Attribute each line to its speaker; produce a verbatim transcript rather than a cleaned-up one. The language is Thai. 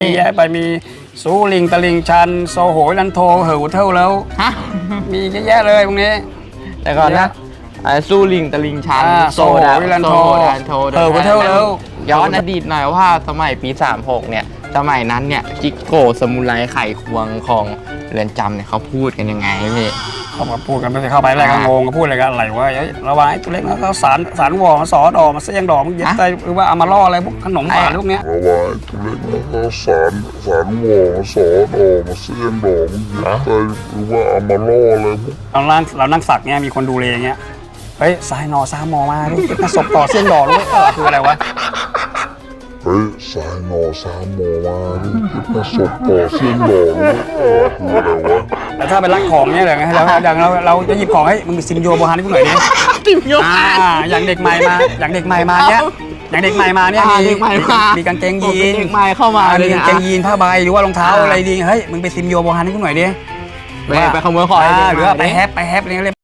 Speaker 1: แยะไปมีสูลิงตะลิงชันโซโหยลันโทเหอเท่าแล้ว
Speaker 2: ฮะ
Speaker 1: มีเยอะแยะเลยตรงนี้
Speaker 2: แต่ก่อนนะสู้ลิงตะลิงชัน
Speaker 1: โซดาลันโทเหอเท่าแล้ว
Speaker 2: ย้อนอดีตหน่อยว่าสมัยปีสามสิบหกเนี่ยสมัยนั้นเนี่ยจิโกสมุไรไข่ควงของเรือนจำเนี่ยเขาพูดกันยังไงพี่
Speaker 1: เขามาพูดกันไม่ได้เข้าไปอะไรก็งงก็พูดอะไรกันอะไรวะระวังไอ้ตัวเล็กนะเขาสารสารวอมาสอดอมาเสี่ยงดอกมันเย็บใจหรือว่าเอามาล่ออะไรพวกขนมหวานพวกเนี้ย
Speaker 3: ระวังตัวเล็กนะเขาสารสารวอมาสอดอมาเสี่ยงดอกมันเย็บใจหรือว่าเอามาล่ออะไรพวก
Speaker 1: เรานั่งเรานั่งสักเนี้ยมีคนดูเลยอย่างเงี้ยเฮ้ยสายนอซามอมาดิมาศพต่อเสี่ยงดอกเลยเออคืออะไรวะ
Speaker 3: เฮ้ยสายนอสามโมมาดิมาศพต่อเสี่ยงดอกเลยเออคืออะไรวะ
Speaker 1: แต่ถ้าเป็นรักของเนี้ยอย่างเงี้ยเราอย่างเราเราจะหยิบของให้มึงซิมโยโบฮานให้กูหน่อยดิ
Speaker 2: ซิมโย
Speaker 1: อ่าอย่างเด็กใหม่มาอย่างเด็กใหม่มาเนี้ยอย่างเด็กใหม่มาเนี่ยมีมีกางเกงยีน
Speaker 2: เด็กใหม่เข้ามา
Speaker 1: มีกางเกงยีนผ้าใบหรือว่ารองเท้าอะไรดีเฮ้ยมึงไปซิมโยโบฮานให้กูหน่อยดิ
Speaker 2: ไปขโมยของ
Speaker 1: หรือว่าไปแฮปไปแฮปอะไรเงี้ย